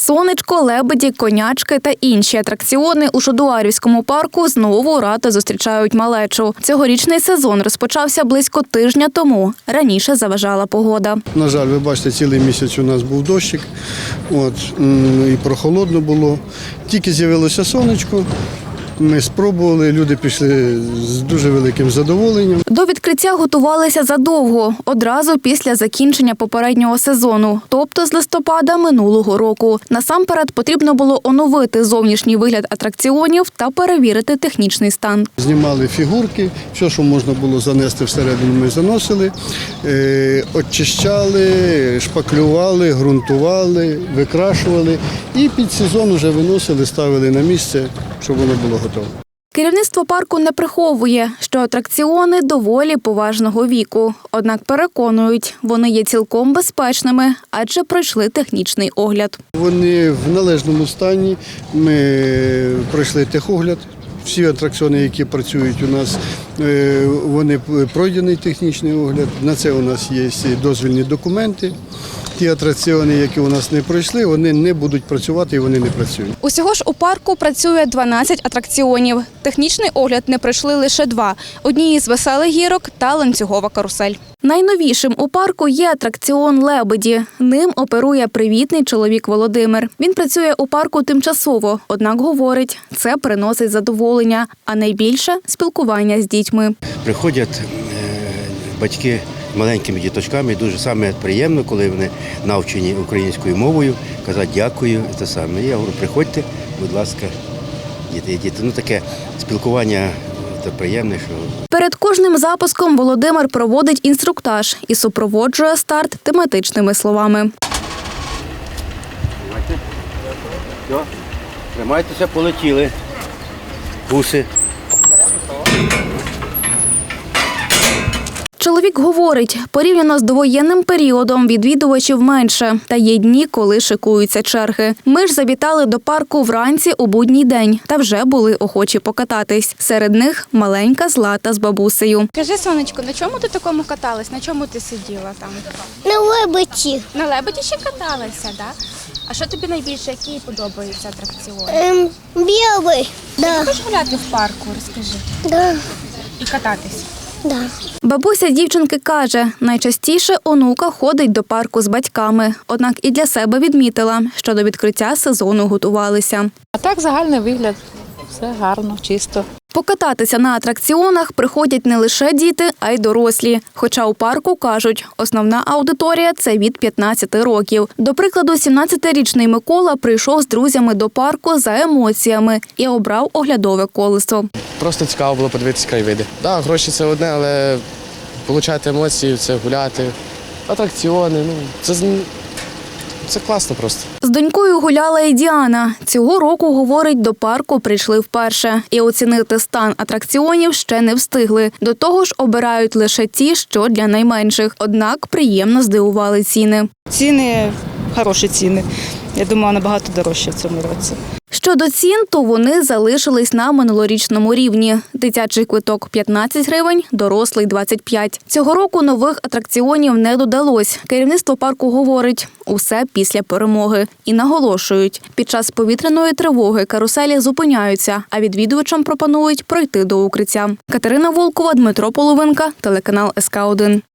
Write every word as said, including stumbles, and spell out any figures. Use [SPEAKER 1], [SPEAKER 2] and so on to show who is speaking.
[SPEAKER 1] Сонечко, лебеді, конячки та інші атракціони у Шодуарівському парку знову радо зустрічають малечу. Цьогорічний сезон розпочався близько тижня тому. Раніше заважала погода.
[SPEAKER 2] На жаль, ви бачите, цілий місяць у нас був дощик, от, і прохолодно було. Тільки з'явилося сонечко. Ми спробували, люди пішли з дуже великим задоволенням.
[SPEAKER 1] До відкриття готувалися задовго, одразу після закінчення попереднього сезону, тобто з листопада минулого року. Насамперед потрібно було оновити зовнішній вигляд атракціонів та перевірити технічний стан.
[SPEAKER 2] Знімали фігурки, все, що можна було занести всередину, ми заносили, е, очищали, шпаклювали, ґрунтували, викрашували і під сезон вже виносили, ставили на місце, щоб воно було готове.
[SPEAKER 1] Керівництво парку не приховує, що атракціони доволі поважного віку. Однак переконують, вони є цілком безпечними, адже пройшли технічний огляд.
[SPEAKER 2] Вони в належному стані, ми пройшли техогляд. Всі атракціони, які працюють у нас, вони пройдений технічний огляд. На це у нас є дозвільні документи. Ті атракціони, які у нас не пройшли, вони не будуть працювати і вони не працюють.
[SPEAKER 1] Усього ж у парку працює дванадцять атракціонів. Технічний огляд не пройшли лише два – одні із веселих гірок та ланцюгова карусель. Найновішим у парку є атракціон «Лебеді». Ним оперує привітний чоловік Володимир. Він працює у парку тимчасово, однак говорить, це приносить задоволення, а найбільше – спілкування з дітьми.
[SPEAKER 3] Приходять батьки маленькими діточками, дуже саме приємно, коли вони навчені українською мовою, казати дякую, це саме. Я говорю, приходьте, будь ласка, діти, діти. Ну таке спілкування, це приємне, що...
[SPEAKER 1] Перед кожним запуском Володимир проводить інструктаж і супроводжує старт тематичними словами.
[SPEAKER 3] Все, тримайтеся, полетіли. Гуси.
[SPEAKER 1] Чоловік говорить, порівняно з довоєнним періодом відвідувачів менше, та є дні, коли шикуються черги. Ми ж завітали до парку вранці у будній день, та вже були охочі покататись. Серед них маленька Злата з бабусею.
[SPEAKER 4] Кажи, сонечко, на чому ти такому каталась? На чому ти сиділа там?
[SPEAKER 5] На лебеді.
[SPEAKER 4] На лебеді ще каталася, так? Да? А що тобі найбільше, які подобаються атракціони?
[SPEAKER 5] Ем, білий. Да.
[SPEAKER 4] Хочеш гуляти в парку, розкажи.
[SPEAKER 5] Да.
[SPEAKER 4] І кататись?
[SPEAKER 5] Да.
[SPEAKER 1] Бабуся дівчинки каже, найчастіше онука ходить до парку з батьками. Однак і для себе відмітила, що до відкриття сезону готувалися.
[SPEAKER 6] А так загальний вигляд, все гарно, чисто.
[SPEAKER 1] Покататися на атракціонах приходять не лише діти, а й дорослі. Хоча у парку, кажуть, основна аудиторія – це від п'ятнадцяти років. До прикладу, сімнадцятирічний Микола прийшов з друзями до парку за емоціями і обрав оглядове колесо.
[SPEAKER 7] Просто цікаво було подивитися краєвиди. Так, гроші – це одне, але отримати емоції, це гуляти, атракціони, ну, це, це класно просто.
[SPEAKER 1] З донькою гуляла і Діана. Цього року, говорить, до парку прийшли вперше. І оцінити стан атракціонів ще не встигли. До того ж, обирають лише ті, що для найменших. Однак приємно здивували ціни.
[SPEAKER 8] Ціни – хороші ціни. Я думаю, набагато дорожче в цьому році.
[SPEAKER 1] Щодо цін, то вони залишились на минулорічному рівні. Дитячий квиток – п'ятнадцять гривень, дорослий – двадцять п'ять. Цього року нових атракціонів не додалось. Керівництво парку говорить – усе після перемоги. І наголошують – під час повітряної тривоги каруселі зупиняються, а відвідувачам пропонують пройти до укриття. Катерина Волкова, Дмитро Половинка, телеканал ес ка один.